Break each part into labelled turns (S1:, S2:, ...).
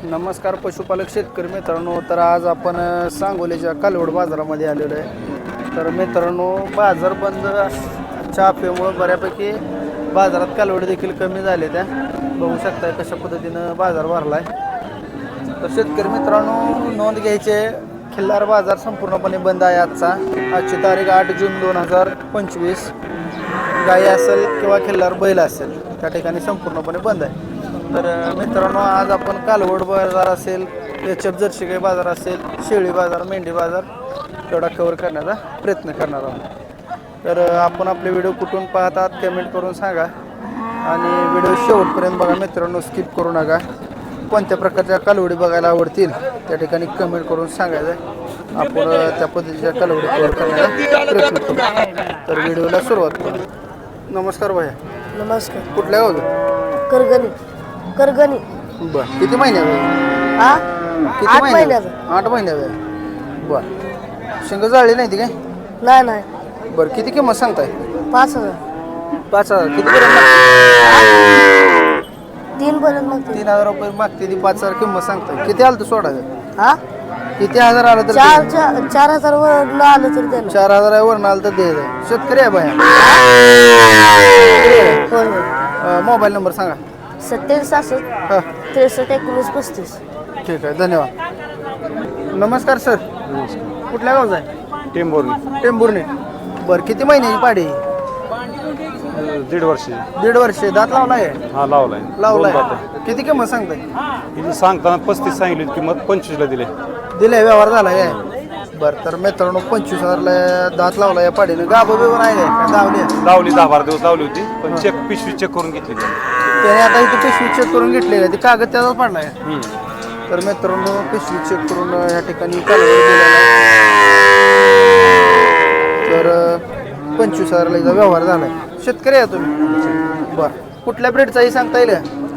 S1: नमस्कार पशुपालक शेतकरी मित्रांनो. तर आज आपण सांगोलीच्या कालवड बाजारामध्ये आलेलो आहे. तर मित्रांनो, बाजार बंदच्या अफवेमुळे बऱ्यापैकी बाजारात कालवड देखील कमी झाले. त्या बघू शकताय कशा पद्धतीनं बाजार भरला आहे. तर शेतकरी मित्रांनो, नोंद घ्यायचे, खिल्लार बाजार संपूर्णपणे बंद आहे. आजची तारीख 8 जून 2025. गाई असेल किंवा खिल्लार बैल असेल त्या ठिकाणी संपूर्णपणे बंद आहे. तर मित्रांनो, आज आपण कालवड बाजार असेल, एचएफ जर्सी गाई बाजार असेल, शेळी बाजार, मेंढी बाजार तेवढा कव्हर करण्याचा प्रयत्न करणार आहोत. तर आपण आपले व्हिडिओ कुठून पाहतात कमेंट करून सांगा आणि व्हिडिओ शेवटपर्यंत बघा मित्रांनो, स्किप करू नका. कोणत्या प्रकारच्या कालवडी बघायला आवडतील त्या ठिकाणी कमेंट करून सांगायचं, आपण त्या पद्धतीच्या कालवडी कव्हर करण्याचा प्रयत्न करू. तर व्हिडिओला सुरुवात करू. नमस्कार भैया.
S2: नमस्कार.
S1: कुठल्या गावचं?
S2: करगणी.
S1: बरं, किती महिन्याचं आहे?
S2: हा,
S1: किती
S2: 8
S1: महिन्याचं?
S2: महिन्याचं.
S1: 8 महिन्याचं आहे. बरं, शिंग जाळली नाही ती काय?
S2: नाही.
S1: बरं, किती किंमत सांगताय?
S2: 5,000.
S1: 5,000. कितीपर्यंत?
S2: 3 पर्यंत मागते.
S1: 3,000 रुपये मागते ती. 5,000 किंमत सांगताय. किती आलं तर सोडायचं?
S2: हा,
S1: किती हजार आलं तर?
S2: 4,000 वर न आलं तर द्या.
S1: 4,000 वरून आलं तर द्यायचं. शेतकरी आहे बाया. मोबाईल नंबर सांगा.
S2: 27
S1: हां,
S2: 63 19 35.
S1: ठीक आहे, धन्यवाद. नमस्कार सर. कुठल्या गावचा आहे? टेंभुर्णी. बरं, किती महिन्याची पाडी?
S3: 1.5 वर्ष.
S1: 1.5 वर्ष. दात लावलाय?
S3: हा, लावलाय.
S1: लावलाय.
S3: दोन दात आहे.
S1: किती किंमत सांगताय?
S3: हिची सांगताना 35 सांगितली होती किंमत, 25 ला दिले.
S1: दिले, व्यवहार झाला आहे. बरं, तर मित्रांनो 25,000ला दात लावला या पाडीनं. गाभं बिवून आहे काय? दावली
S3: लावली 10-12 दिवस लावली होती, पण पिशवी चेक करून घेतली
S1: त्याने. आता इथे पिशवी चेक करून घेतली का? ती कागद त्याचाच पडलाय. तर मित्रांनो, पिशवी चेक करून या ठिकाणी कालवड दिलेला आहे. तर 25,000ला इथं व्यवहार झालाय. शेतकरी आहे तुम्ही? बरं, कुठल्या ब्रेडचाही सांगता येईल?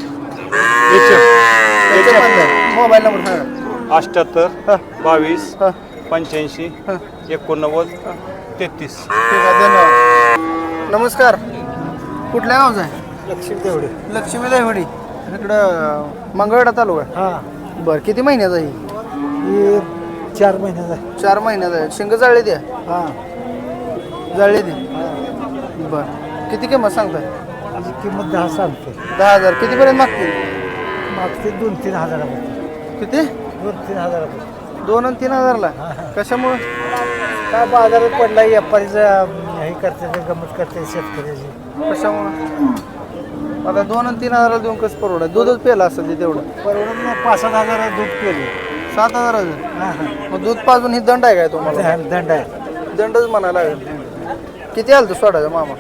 S1: मोबाईल नंबर सांगा.
S3: 78 22
S1: हां,
S3: 85
S1: हां.
S3: 89 33.
S1: ठीक आहे, धन्यवाद. नमस्कार. कुठल्या गावचा आहे?
S2: लक्ष्मी तेवढे.
S1: लक्ष्मी देवडी. इकडं मंगळवेढा तालुका.
S2: हा,
S1: बरं, किती महिन्याचा आहे?
S2: ही 4 महिन्याचा.
S1: 4 महिन्याचा आहे. शिंग जाळली द्या.
S2: हा,
S1: जाळली द्या. बरं, किती किंमत सांगताय?
S2: त्याची किंमत 10 सांगते.
S1: 10,000. कितीपर्यंत मागतील?
S2: मागते 2-3 हजारामध्ये.
S1: किती?
S2: 2-3 हजारामध्ये.
S1: 2 आणि 3,000ला? कशामुळं?
S2: काय बाजारात पडला, व्यापारीचं हे करते, गमत करते शेतकऱ्याची.
S1: कशामुळं? आता 2 आणि 3,000ला देऊन कसं परवडा? दूधच पेला असेल ते तेवढं.
S2: परवडत नाही. 5-7 हजार दूध केले.
S1: 7,000.
S2: हा,
S1: मग दूध पाजून ही दंड आहे काय तुम्हाला?
S2: हा, दंड आहे.
S1: दंडच म्हणायला लागेल. किती आलं तू सोडायचं मामा?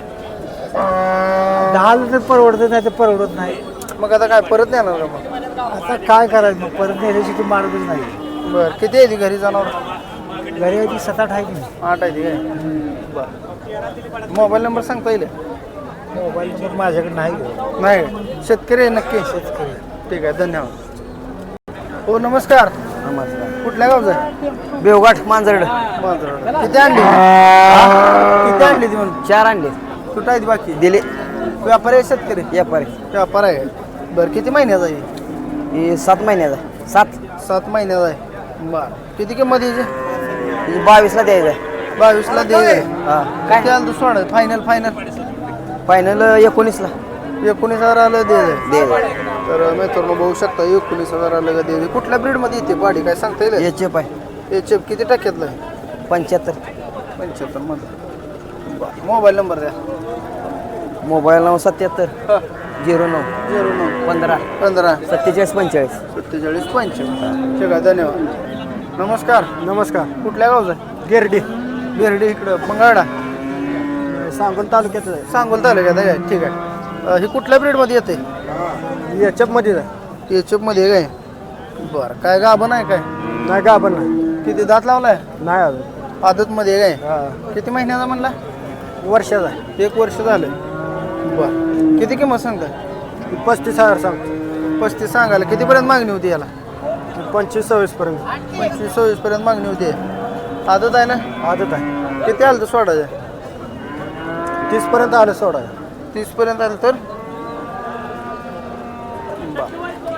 S2: 10 तर परवडत नाही, तर परवडत नाही.
S1: मग आता काय परत येणार का मग?
S2: आता काय करायचं मग, परत नेल्याची ती मार्गच नाही.
S1: बरं, किती आहे ती घरी जनावर?
S2: घरी आहे ती 7-8 आहे की नाही.
S1: 8 आहे ती काय? बरं, मोबाईल नंबर सांगता येईल?
S2: मोबाईल नंबर माझ्याकडे नाही.
S1: नाही. शेतकरी आहे नक्की?
S2: शेतकरी.
S1: ठीक आहे, धन्यवाद. हो, नमस्कार.
S2: नमस्कार.
S1: कुठल्या गावचं आहे?
S2: बेवघाट मांजरड.
S1: किती आणली? किती आणली ती म्हणून?
S2: 4 आणले.
S1: कुठं आहे ती बाकी?
S2: दिले.
S1: व्यापारी आहे शेतकरी?
S2: व्यापारी.
S1: व्यापार आहे. बरं, किती महिन्याचा आहे?
S2: ही 7 महिन्याचा.
S1: 7 महिन्याचा आहे. बरं, किती किंमत यायची?
S2: 22 ला द्यायचं आहे.
S1: 22ला द्यायचं.
S2: हा,
S1: किती आलं तू सोडा? फायनल
S2: फायनल 19 ला
S1: 19,000 आलं द्यायचं.
S2: द्यायचं.
S1: तर मित्रांनो बघू शकता, 19,000 आलं का द्यायचं. कुठल्या ब्रीडमध्ये येते पाडी काय सांगता येईल?
S2: एचएफ आहे.
S1: एचएफ किती टक्क्यातलं आहे?
S2: 75.
S1: 75 मध्ये. बरं, मोबाईल नंबर द्या.
S2: मोबाईल नाव 77
S1: हां,
S2: 09
S1: 09
S2: 15
S1: 15
S2: 47 45.
S1: 47 55. ठीक आहे, धन्यवाद. नमस्कार.
S2: नमस्कार.
S1: कुठल्या गावचं आहे?
S2: गिरडी.
S1: बिर्डी. इकडं मंगळवाडा.
S2: सांगोल तालुक्यात आहे.
S1: सांगोल तालुक्यात आहे. ठीक आहे. ही कुठल्या ब्रीडमध्ये येते?
S2: एचएफ मध्ये आहे.
S1: एचएफमध्ये काय? बरं, काय गाभण आहे काय?
S2: नाही का आपण नाही.
S1: किती दात लावलाय?
S2: नाही अजून.
S1: आदतमध्ये काय? किती महिन्याचा म्हणला?
S2: वर्षाचा आहे.
S1: 1 वर्ष झालं. बरं, किती किंमत सांगताय?
S2: 35,000 सांगतो.
S1: 35 सांगायला. कितीपर्यंत मागणी होती याला?
S2: 25-26 पर्यंत.
S1: 25-26 पर्यंत मागणी होती. आदत आहे ना?
S2: आदत आहे.
S1: किती आलं तर सोडायचं?
S2: 30 पर्यंत आलं सोडा.
S1: 30 पर्यंत आलं तर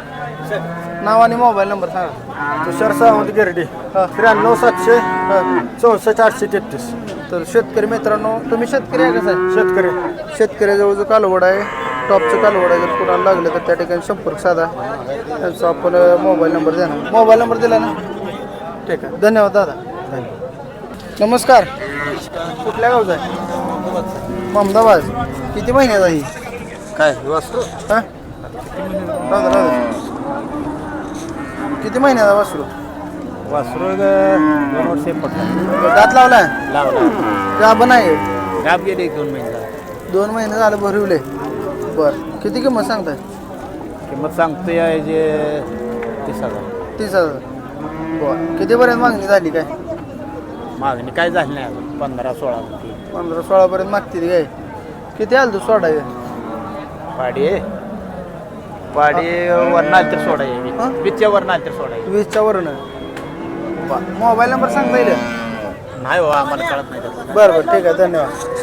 S1: नाव आणि मोबाईल नंबर सांगा.
S2: तुषार सावंत गिरडी 93 700 64 833.
S1: तर शेतकरी मित्रांनो, तुम्ही शेतकरी आहे कसं आहे?
S2: शेतकरी
S1: शेतकऱ्याजवळ जो कालवड आहे, टॉपचं कालवड आहे, जर कुणाला लागलं तर त्या ठिकाणी संपर्क साधा. त्यांचा आपण मोबाईल नंबर द्या ना. मोबाईल नंबर दिला ना. ठीक आहे, धन्यवाद दादा. नमस्कार. कुठल्या गावचा आहे? ममदाबाद. किती महिन्याचा ही
S2: काय वासरू
S1: हां? राहू दे. किती महिन्याचा वासरू?
S2: वासरू 2 वर्षे पडला
S1: दात लावलाय?
S2: लावला
S1: गाभण आहे?
S2: गाप गेले 2 महिने
S1: 2 महिने झालं भरवले. बरं, किती किंमत सांगताय?
S2: किंमत सांगतोय आहे जे 30,000.
S1: 30,000. बरं, कितीपर्यंत मागणी झाली काय?
S2: मागणी काय झाली नाही अजून 15-16 होती.
S1: 15-16 पर्यंत मागतील काय? किती आलं तू सोडाय?
S2: पाडी वरनाल तर
S1: हां?
S2: सोडाय पिच्च्या वरनाल तर सोडाय
S1: 20च्या वरनं. मोबाईल नंबर सांगता येईल?
S2: नाही हो आम्हाला कळत नाही त्याचं.
S1: बरं ठीक आहे, धन्यवाद.